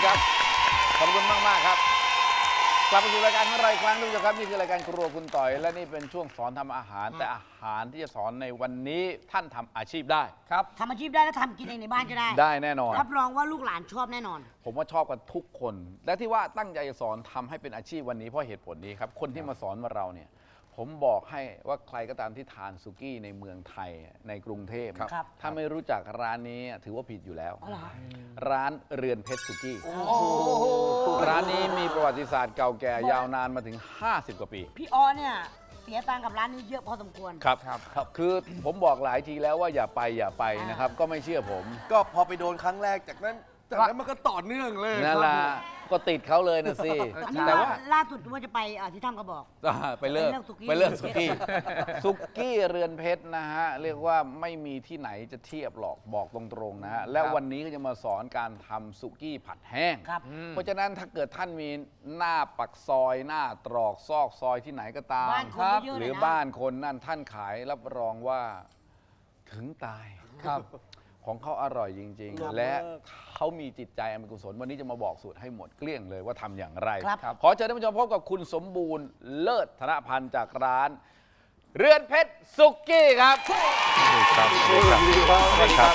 ครับขอบคุณมากครับกลับมาสู่รายการของเราอีกครั้งทุกท่านครับนี่คือรายการครัวคุณต่อยและนี่เป็นช่วงสอนทำอาหารแต่อาหารที่จะสอนในวันนี้ท่านทำอาชีพได้ครับทำอาชีพได้แล้วทำกินเองในบ้านก็ได้ได้แน่นอนรับรองว่าลูกหลานชอบแน่นอนผมว่าชอบกันทุกคนและที่ว่าตั้งใจจะสอนทำให้เป็นอาชีพวันนี้เพราะเหตุผลนี้ครับคนที่มาสอนเราเนี่ยผมบอกให้ว่าใครก็ตามที่ทานสุกี้ในเมืองไทยในกรุงเทพถ้าไม่รู้จักร้านนี้ถือว่าผิดอยู่แล้วร้านเรือนเพชรสุกี้ร้านนี้มีประวัติศาสตร์เก่าแก่ยาวนานมาถึง50 กว่าปีพี่ออเนี่ยเสียตังค์กับร้านนี้เยอะพอสมควรครับคือผมบอกหลายทีแล้วว่าอย่าไปนะครับก็ไม่เชื่อผมก็พอไปโดนครั้งแรกจากนั้นมันก็ต่อเนื่องเลยนั่นแหละก็ติดเขาเลยนะสิแต่ว่าล่าสุดว่าจะไปที่ถ้ำกระบอกไปเลิกสุกี้สุกี้เรือนเพชรนะฮะเรียกว่าไม่มีที่ไหนจะเทียบหรอกบอกตรงๆนะฮะและวันนี้ก็จะมาสอนการทำสุกี้ผัดแห้งเพราะฉะนั้นถ้าเกิดท่านมีหน้าปักซอยหน้าตรอกซอกซอยที่ไหนก็ตามหรือบ้านคนนั่นท่านขายรับรองว่าถึงตายครับของเขาอร่อยจริงๆและเขามีจิตใจอันเป็นกุศลวันนี้จะมาบอกสูตรให้หมดเกลี้ยงเลยว่าทำอย่างไรขอเชิญท่านผู้ชมพบกับคุณสมบูรณ์เลิศธนพันธ์จากร้านเรือนเพชรสุกี้ครับสวัสดีครับ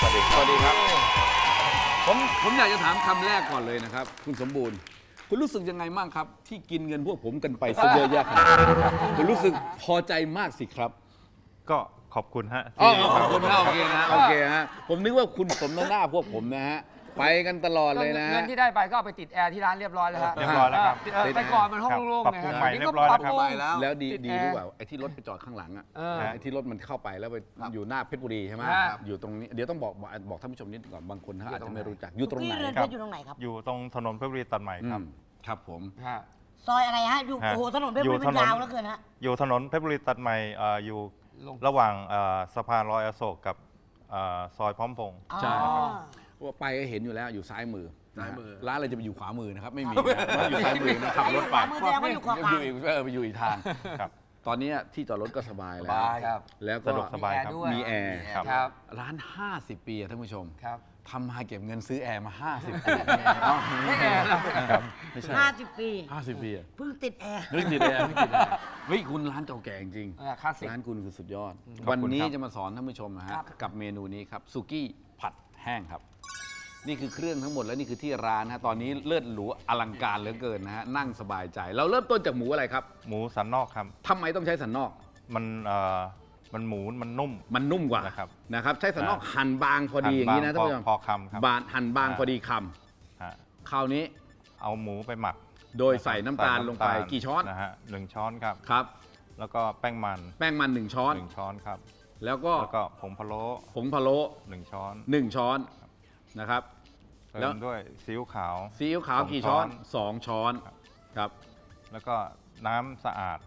ผมอยากจะถามคำแรกก่อนเลยนะครับคุณสมบูรณ์คุณรู้สึกยังไงบ้างครับที่กินเงินพวกผมกันไปซะเยอะแยะขนาดนี้คุณรู้สึกพอใจมากสิครับก็ขอบคุณฮะขอบคุณนะโอเคฮะผมนึกว่าคุณสมน้ำหน้าพวกผมนะฮะไปกันตลอดเลยนะเงินที่ได้ไปก็เอาไปติดแอร์ที่ร้านเรียบร้อยแล้วครับเรียบร้อยแล้วครับแต่ก่อนมันห้องโล่งๆไงใหม่เรียบร้อยแล้วครับแล้วดีรู้เปล่าไอ้ที่รถไปจอดข้างหลังอ่ะไอ้ที่รถมันเข้าไปแล้วไปอยู่หน้าเพชรบุรีใช่ไหมอยู่ตรงนี้เดี๋ยวต้องบอกท่านผู้ชมนิดก่อนบางคนเขาอาจจะไม่รู้จักอยู่ตรงไหนครับอยู่ตรงไหนครับอยู่ตรงถนนเพชรบุรีตัดใหม่ครับครับผมซอยอะไรฮะอยู่โอ้โหถนนเพชรบุรีมันยาวเหลือเกินฮะอยู่ถนนเพชรบุรีตัดใหม่อยู่ระหว่างสะพานลอยอโศกกับซอยพร้อมพงษ์ใช่ว่าไปก็เห็นอยู่แล้วอยู่ซ้ายมือร้านอะไรจะไปอยู่ขวามือนะครับไม่มีอยู่ซ้ายมือนะขับรถไปอยู่อีกทางตอนนี้ที่จอดรถก็สบายแล้วก็สบายครับมีแอร์ร้าน50 ปีท่านผู้ชมทำมาเก็บเงินซื้อแอร์มา50 ปีไม่แอร์ไม่ใช่50 ปีเพิ่งติดแอร์เฮ้ยคุณร้านเก่าแก่จริงร้านคุณคือสุดยอดวันนี้จะมาสอนท่านผู้ชมนะฮะกับเมนูนี้ครับสุกี้ผัดแห้งครับนี่คือเครื่องทั้งหมดและนี่คือที่ร้านนะตอนนี้เลิศหรูอลังการเหลือเกินนะฮะนั่งสบายใจเราเริ่มต้นจากหมูอะไรครับหมูสันนอกครับทำไมต้องใช้สันนอกมันหมูมันนุ่มกว่านะครับใช้สันนอกหั่นบางพอดีอย่างนี้นะท่านผู้ชมพอคำครับหั่นบางพอดีคำคราวนี้เอาหมูไปหมักโดยใส่น้ำตาลลงไปกี่ช้อนนะฮะ1 ช้อนครับแล้วก็แป้งมัน 1 ช้อนครับแล้วก็ผงพะโล้1 ช้อนนะครับแล้วด้วยซีอิ๊วขาวกี่ช้อน2 ช้อนครับแล้วก็น้ำสะอาด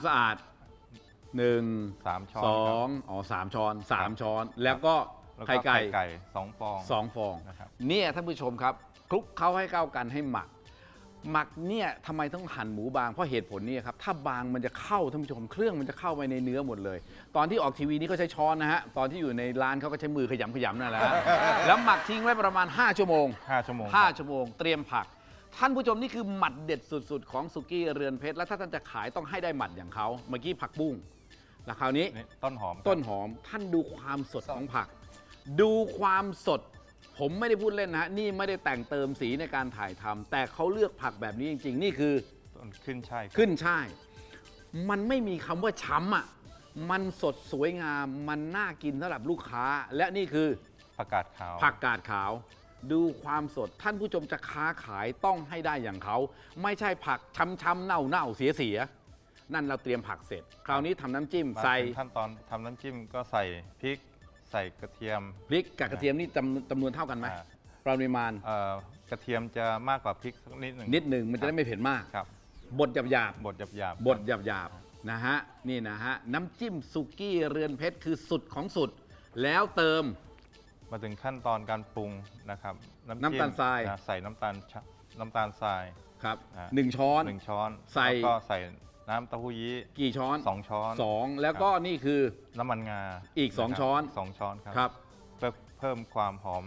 3 ช้อน3 ช้อนแล้วก็ไข่ไก่ 2 ฟองนะครับเนี่ยท่านผู้ชมครับคลุกเคล้าให้เข้ากันให้หมักเนี่ยทำไมต้องหั่นหมูบางเพราะเหตุผลนี้ครับถ้าบางมันจะเข้าท่านผู้ชมเครื่องมันจะเข้าไปในเนื้อหมดเลยตอนที่ออกทีวีนี่ก็ใช้ช้อนนะฮะตอนที่อยู่ในร้านเขาก็ใช้มือขยำนั่นแหละแล้วหมักทิ้งไว้ประมาณ5 ชั่วโมงเตรียมผักท่านผู้ชมนี่คือหมัดเด็ดสุดๆของสุกี้เรือนเพชรและถ้าท่านจะขายต้องให้ได้หมัดอย่างเขาเมื่อกี้ผักบุ้งแล้วคราวนี้ต้นหอมท่านดูความสดของผักดูความสดผมไม่ได้พูดเล่นนะนี่ไม่ได้แต่งเติมสีในการถ่ายทำแต่เขาเลือกผักแบบนี้จริงๆนี่คือขึ้นช่ายมันไม่มีคำว่าช้ำอ่ะมันสดสวยงามมันน่ากินสำหรับลูกค้าและนี่คือผักกาดขาวดูความสดท่านผู้ชมจะค้าขายต้องให้ได้อย่างเขาไม่ใช่ผักช้ำๆเน่าเสียนั่นเราเตรียมผักเสร็จคราวนี้ทำน้ำจิ้มใส่ขั้นตอนทำน้ำจิ้มก็ใส่พริกใส่กระเทียมพริกกับกระเทียมนี่จำนวนเท่ากันไหมปริมาณกระเทียมจะมากกว่าพริกนิดหนึ่งมันจะได้ไม่เผ็ดมากครับบดหยาบนะฮะนี่นะฮะน้ำจิ้มสุกี้เรือนเพชรคือสุดของสุดแล้วเติมมาถึงขั้นตอนการปรุงนะครับน้ำตาลทรายใส่น้ำตาลทรายครับ1 ช้อนใส่ก็ใส่น้ำเต้าหู้ยี้กี่ช้อน 2 ช้อนแล้วก็นี่คือน้ำมันงาอีก2 ช้อนครับเพื่อเพิ่มความหอมให้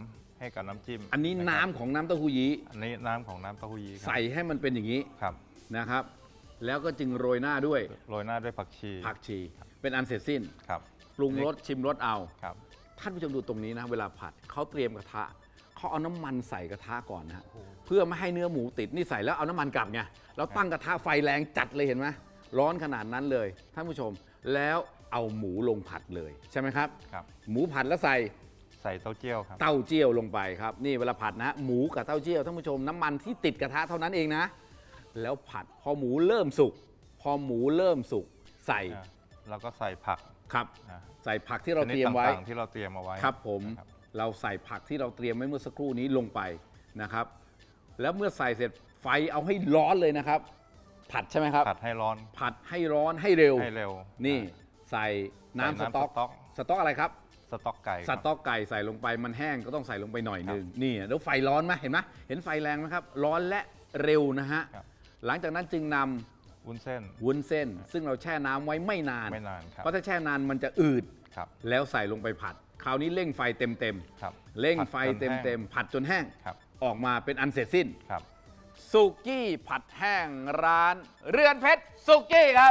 ให้กับน้ำจิ้มอันนี้ะครับน้ำของน้ำเต้าหู้ยี้อันนี้น้ำของน้ำเต้าหู้ยี้ครับใส่ให้มันเป็นอย่างนี้ครับนะครับ แล้วก็จึงโรยหน้าด้วยโรยหน้าด้วยผักชีผักชี เป็นอันเสร็จสิ้นครับปรุงรสชิมรสเอาครับท่านผู้ชมดูตรงนี้นะ เวลาผัดเขาเตรียมกระทะเขาเอาน้ำมันใส่กระทะก่อนนะฮะเพื่อไม่ให้เนื้อหมูติดนี่ใส่แล้วเอาน้ำมันกลับไงเราตั้งกระทะไฟแรงจัดเลยเห็นไหมร้อนขนาดนั้นเลยท่านผู้ชมแล้วเอาหมูลงผัดเลยใช่ไหมครับครับหมูผัดแล้วใส่ใส่เต้าเจี้ยวครับเต้าเจี้ยวลงไปครับนี่เวลาผัดนะหมูกับเต้าเจี้ยวท่านผู้ชมน้ำมันที่ติดกระทะเท่านั้นเองนะ แล้วผัดพอหมูเริ่มสุกใส่แล้วก็ใส่ผักครับอ่าใส่ผักที่เราเตรียมไว้ชนิดต่างๆที่เราเตรียมเอาไว้ครับผมนะครับเราใส่ผักที่เราเตรียมไว้เมื่อสักครู่นี้ลงไปนะครับ แล้วเมื่อใส่เสร็จไฟเอาให้ร้อนเลยนะครับ ผัดใช่ไหมครับผัดให้ร้อนผัดให้ร้อนให้เร็วให้เร็วนี่ใส่น้ำใส่สน้ำต๊อกสต๊อกสต๊อกอะไรครับสต๊อกไก่สต๊อกไก่ใส่ลงไปมันแห้งก็ต้องใส่ลงไปหน่อยหนึงนี่แล้วไฟร้อนไหมเห็นไหมเห็นไฟแรงไหมครับ ร้อนและเร็วนะฮะครับหลังจากนั้นจึงนำวุ้นเส้นวุ้นเส้น ซึ่งเราแช่น้ำไว้ไม่นานไม่นานครับเพราะถ้าแช่นานมันจะอืดครับแล้วใส่ลงไปผัด คราวนี้เร่งไฟเต็มครับๆเร่งไฟผัดจนเต็แห้มงๆผัดจนแห้งครับออกมาเป็นอันเสร็จสิ้นครับสุกี้ผัดแห้งร้าน เรือนเพชรสุกี้ครับ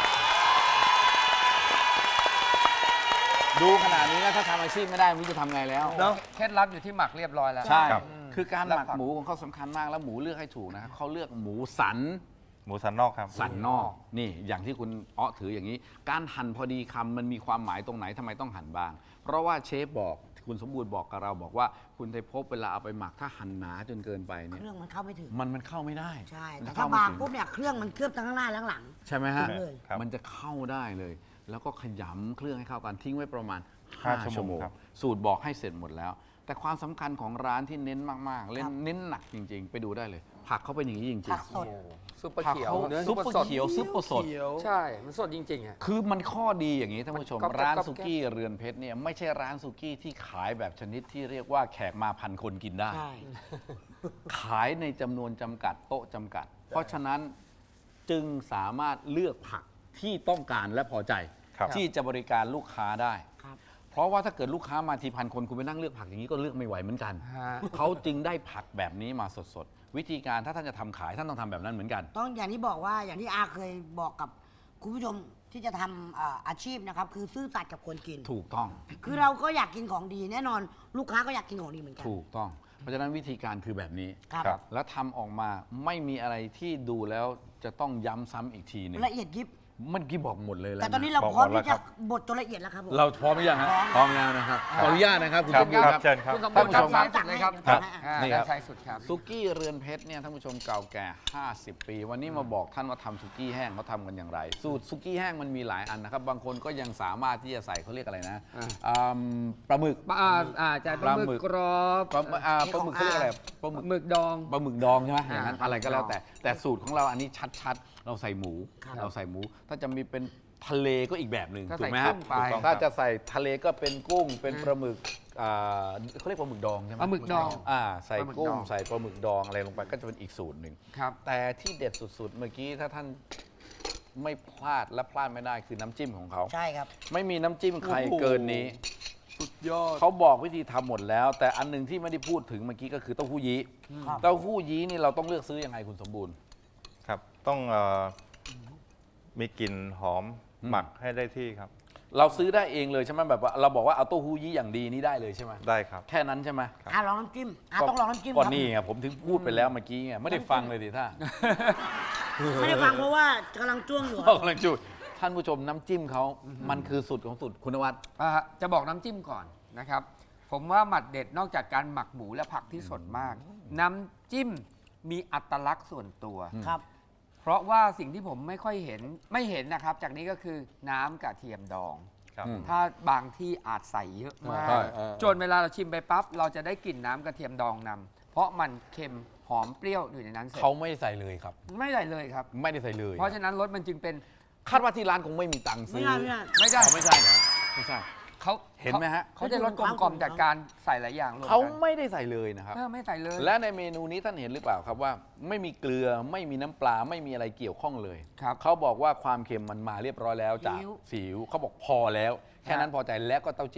ดูขนาดนี้แล้วถ้าทำอาชีพไม่ได้ไม่รู้จะทำไงแล้วเนาะเคล็ดลับอยู่ที่หมักเรียบร้อยแล้วใช่ครับคือการหแล้วมักผักหมูของเขาสำคัญมากแล้วหมูเลือกให้ถูกนะครับเขาเลือกหมูสันหมูสันนอกครับสันนอกนี่อย่างที่คุณอ้อถืออย่างนี้ การหั่นพอดีคำมันมีความหมายตรงไหนทำไมต้องหั่นบ้าง เพราะว่าเชฟบอกคุณสมบูรณ์บอกกับเราบอกว่าคุณไทยภพเวลาเอาไปหมักถ้าหั่นหนาจนเกินไปเนี่ยเครื่องมันเข้าไม่ถึงมันเข้าไม่ได้ใช่มันแต่จะถ้าเข้ไม่บางถึงปุ๊บเนี่ยเครื่องมันเคลือบทั้งข้างหน้าและข้างหลังใช่ไหมฮะเลยครับมันจะเข้าได้เลย แล้วก็ขยำเครื่องให้เข้ากันทิ้งไว้ประมาณห้า 5 ชั่ชั่ววโมโมงงครับสูตรบอกให้เสร็จหมดแล้ว แต่ความสำคัญของร้านที่เน้นมากๆครับเน้นหนักจริง ๆ ไปดูได้เลย ผักเขาเป็นอย่างนี้จริงผักสดซุปเปอร์ผักเขียวเขาเนื้อซุปเปอร์เขียวซุปเปอร์สดใช่ มันสดจริงๆอ่ะคือมันข้อดีอย่างนี้ท่านผู้ชมก๊อบแก๊บร้านก๊อบแก๊บสุกี้เรือนเพชรเนี่ยไม่ใช่ร้านสุกี้ที่ขายแบบชนิดที่เรียกว่าแขกมาพันคนกินได้ใช่ขายในจำนวนจำกัดโต๊ะจำกัด เพราะฉะนั้นจึงสามารถเลือกผักที่ต้องการและพอใจครับที่จะบริการลูกค้าได้ครับเพราะว่าถ้าเกิดลูกค้ามาทีพันคนคุณไปนั่งเลือกผักอย่างนี้ก็เลือกไม่ไหวเหมือนกันฮะเขาจึงได้ผักแบบนี้มาสดๆ วิธีการถ้าท่านจะทำขายท่านต้องทำแบบนั้นเหมือนกันต้องอย่างที่บอกว่าอย่างที่อาเคยบอกกับคุณผู้ชมที่จะทำอาชีพนะครับ คือซื่อสัตย์กับคนกินถูกต้องคือเราก็อยากกินของดีแน่นอนลูกค้าก็อยากกินของดีเหมือนกันถูกต้อง เพราะฉะนั้นวิธีการคือแบบนี้ครับครับแล้วทำออกมาไม่มีอะไรที่ดูแล้วจะต้องย้ำซ้ำอีกทีหนึ่งละเอียดยิบเมื่อกี้บอกหมดเลยแล้วแต่ตอนนี้เราบอกพร้อมหมดแล้วที่จะครับบดจนละเอียดแล้วครับผมเราพร้อมหรือยังฮะพร้อมแล้วนะครับขออนุญาตนะครับคุณครัสบมบูรณ์คครัรับบ เชิญครับคุณสมท่าบูนรผู้ณ์ชครัมบซ้ายสุดเลยครับครับนี่ครับซ้ายสุดครับสุกี้เรือนเพชรเนี่ยท่านผู้ชมเก่าแก่ 50 ปี วันนี้มาบอกท่านว่าทำสุกี้แห้งเขาทำกันอย่างไร สูตรสุกี้แห้งมันมีหลายอันนะครับ บางคนก็ยังสามารถที่จะใส่เขาเรียกอะไรนะอ่าปลาหมึกจะปลาหมึกกรอบปลาหมึกเขาเรียกอะไรปลาหมึกหมึกดองปลาหมึกดองใช่ไหมอย่างนั้นอ่าอะไรก็แล้วแต่ แต่สูตรของเราอันนี้ชัดๆ เราใส่หมูครับเราใส่หมู ถ้าจะมีเป็นทะเลก็อีกแบบหนึ่งก็ถูใส่กไหมกุ้ฮะงไปถูกต้องถ้าจะใส่ทะเลก็เป็นกุ้งเป็นปลาหมึกเขาเรียกปลาหมึกดองใช่ไหมปลาหมึกดองใส่ปลาหมึกกุ้ดงองใส่ปลาหมึกดองอะไรลงไปก็จะเป็นอีกสูตรหนึ่งครับแต่ที่เด็ดสุดๆ เมื่อกี้ถ้าท่านไม่พลาดและพลาดไม่ได้คือน้ำจิ้มของเขาใช่ครับไม่มีน้ำจิ้มใครโอ้โหเกินนี้สุดยอดเขาบอกวิธีทำหมดแล้ว แต่อันหนึ่งที่ไม่ได้พูดถึงเมื่อกี้ก็คือเต้าหู้ยี้ครับเต้าหู้ยี้นี่เราต้องเลือกซื้อยังไงคุณสมบูรณ์ครับต้องมีกลิ่นหอมอืมหมักให้ได้ที่ครับเราซื้อได้เองเลยใช่ไหมแบบว่าเราบอกว่าเอาเต้าหู้ยี้อย่างดีนี่ได้เลยใช่ไหมได้ครับแค่นั้นใช่ไหมลองน้ำจิ้มต้องลองน้ำจิ้มก่อนครับนี่ไงผมถึงพูดไปแล้วเมื่อกี้ไงไม่ได้ฟังเลยดิท่าไม่ได้ฟังเพราะว่ากำลังจ้วงอยู่กำลังจุดท่านผู้ชมน้ำจิ้มเขามันคือสุดของสุดคุณนวัดจะบอกน้ำจิ้มก่อนนะครับ ผมว่าหมัดเด็ดนอกจากการหมักหมูและผักที่สดมาก น้ำจิ้มมีอัตลักษณ์ส่วนตัวครับเพราะว่าสิ่งที่ผมไม่ค่อยเห็นไม่เห็นนะครับ จากนี้ก็คือน้ำกระเทียมดองครับอืมถ้าบางที่อาจใส่เยอะมากใช่จนเวลาเราชิมไปปั๊บเราจะได้กลิ่นน้ำกระเทียมดองนำเพราะมันเค็มหอมเปรี้ยวอยู่ในนั้นเสร็จเขาไม่ได้ใส่เลยครับไม่ได้เลยครับไม่ได้ใส่เลยเพราะฉะนั้นรสมันจึงเป็นคาดว่าที่ร้านคงไม่มีตังค์ซื้อไม่ได้ไม่ได้ไม่ได้เขาไม่ใช่เหรอไม่ใช่เขาเห็นไหมฮะเขาจะรสกลมกล่อมจากการใส่หลายอย่างรวมเขากันไม่ได้ใส่เลยนะครับไม่ใส่เลยและในเมนูนี้ท่านเห็นหรือเปล่าครับว่า ไม่มีเกลือไม่มีน้ำปลาไม่มีอะไรเกี่ยวข้องเลยครับเขาบอกว่าความเค็มมันมาเรียบร้อยแล้วจากซีอิ๊วซีอิ๊วเขาบอกพอแล้ว แค่นั้นพอใจแล้วก็เต้าเจี้ยว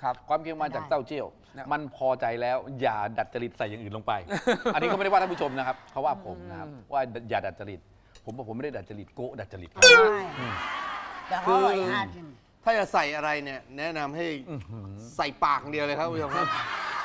ครับความเค็มมาจากเต้าเจี้ยวนะมันพอใจแล้วอย่าดัดจริตใส่อย่างอื่นลงไป อันนี้ก็ไม่ได้ว่าท่านผู้ชมนะครับเขาว่าผมนะครับว่าอย่าดัดจริตผมบอกผมไม่ได้ดัดจริตโกะดัดจริตครับใช่แต่เขาอร่อยน่าชิมถ้าจะใส่อะไรเนี่ย แนะนำให้ใส่ปากอย่างเดียวเลยครับคุณผู้ชมครับ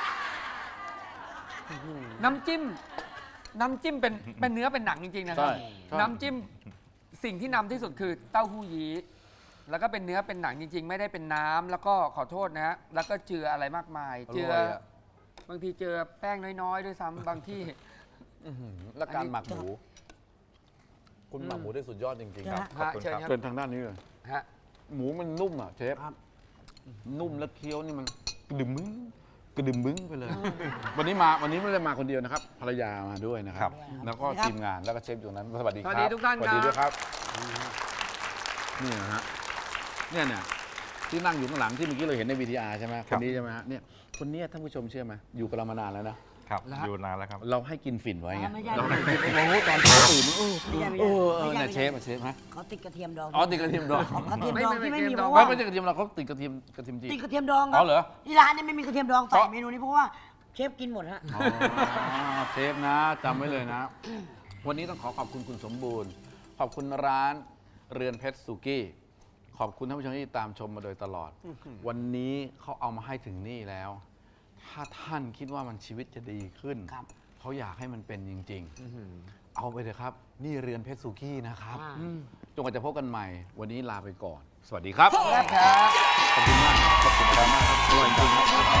น้ำจิ้มเป็นเนื้อเป็นหนังจริงๆนะครับใช่น้ำจิ้มสิ่งที่นำที่สุดคือเต้าหู้ยี้แล้วก็เป็นเนื้อเป็นหนังจริง ๆ ไม่ได้เป็นน้ำแล้วก็ขอโทษนะฮะแล้วก็เจืออะไรมากมาย เจือร่ยะบางทีเจือแป้งน้อยๆด้วยซ้ำบางที่และการหมักหมูคุณหมักหมูได้สุดยอดจริงๆครับขอบคุณเชิญครับครับเชิญทางด้านนี้เลยฮะหมูมันนุ่มอ่ะเชฟครับนุ่มแล้วเคี้ยวนี่มันกระดึมมึงกระดึมมึงไปเลย วันนี้ไม่ได้มาคนเดียวนะครับภรรยามาด้วยนะคครัรับบแล้วก็ทีมงานแล้วก็เชฟอยู่นั้นสวัสดีครับสวัสดีทุกท่านสวัสดีครับด้วยครับนี่นะฮะเนี่ยที่นั่งอยู่ข้างหลังที่เมื่อกี้เราเห็นใน VTR ใช่ไหมคครันบนี้ใช่ไหมฮะเนี่ยคนเนี้ยท่านผู้ชมเชื่อไหมอยู่กับเรามานานแล้วนะครับอยู่นานแล้วครับเราให้กินฝิ่นไว้ไงไม่ใช่เราให้กินโอ้โหตอนเช้าตื่นเออไม่ใช่ไม่เอใช่อไม่ใช่เนี่ยเชฟฮะเขาติดกระเทียมดองอ๋อติดกระเทียมดองกระเทียมดองที่ไม่มีเพราะไม่ว่าไม่ใช่กระเทียมเราเขาติดกระเทียมจีติดกระเทียมดองคอ๋รัอเหรอที่ร้านเนี่ยไม่มีกระเทียมดองใส่เพราะเมนูนี้เพราะว่าเชฟกินหมดฮะอ๋อเชฟนะจำไว้เลยนะ วันนี้ต้องขอขอบคุณคุณสมบูรณ์ ขอบคุณร้านเรือนเพชรสุกี้ ขอบคุณท่านผู้ชมที่ตามชมมาโดยตลอด วันนี้เขาเอามาให้ถึงนี่แล้ว ถ้าท่านคิดว่ามันชีวิตจะดีขึ้นครับเขาอยากให้มันเป็นจริง ๆ เอาไปเถอะครับ นี่เรือนเพชรสุกี้นะครับอ่าจนกว่าจะพบกันใหม่ วันนี้ลาไปก่อน สวัสดีครับครับขอบคุณมากขอบคุณมากครับอร่อยจริง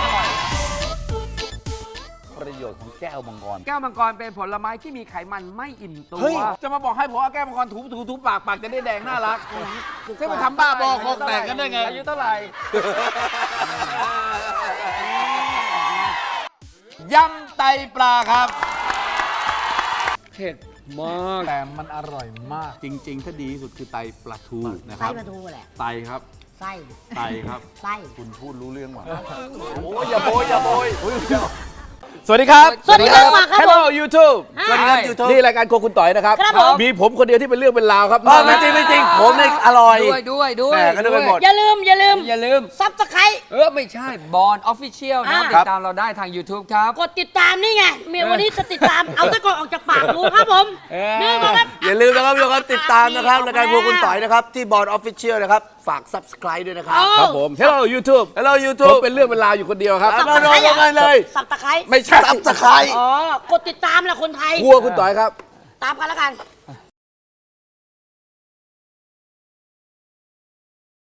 ประโยชน์ของแก้วมังกรแก้วมังกรเป็นผลไม้ที่มีไขมันไม่อิ่มตัวเฮ้ย จะมาบอกให้ผมเอาแก้วมังกรถูปากจะได้แดงน่ารักจะไปทำบ้าบอคอแตกกันได้ไงอายุเท่าไหร่ยำไตปลาครับเผ็ดมากแต่มันอร่อยมาก จริง ๆ ถ้าดีที่สุดคือไตปลาทูนะคไส้รับปลาทูแหละไตครับไส้ไตครับไส้คุณพูดรู้เรื่องหว่าโอ้ยอย่าโบยสวัสดีครับสวัสดีครับมาครับ Hello YouTube สวัสดีครับ YouTube นี่รายการโครัวคุณต่อยนะครับครับผมมีผมคนเดียวที่เป็นเรื่องเป็นราวครับไม่จริงไม่จริงผมเนี่ยอร่อยด้วยแหม่ก็นึกไปหมดอย่าลืมอย่าลืมซับสไครไม่ใช่บอลออฟฟิเชียลนะครับอ่าติดตามเราได้ทาง YouTube ครับกดติดตามนี่ไงเมียวันนี้จะติดตาม เอาตะกอนออกจากปากดูครับผมนี่นะครับอย่าลืมนะครับทุกคนติดตามนะครับรายการพวกคุณต่อยนะครับ ที่บอร์ดออฟฟิเชียลนะครับ ฝาก subscribe ด้วยนะครับครับผม Hello YouTube Hello ผม YouTube เป็นเรื่องเป็นราวอยู่คนเดียวครับครับ มาลงกันเลยสับตะไคร้ไม่ใช่ subscribe อ๋อกดติดตามแหละคนไทยครัวคุณต่อยครับตามกันแล้วกัน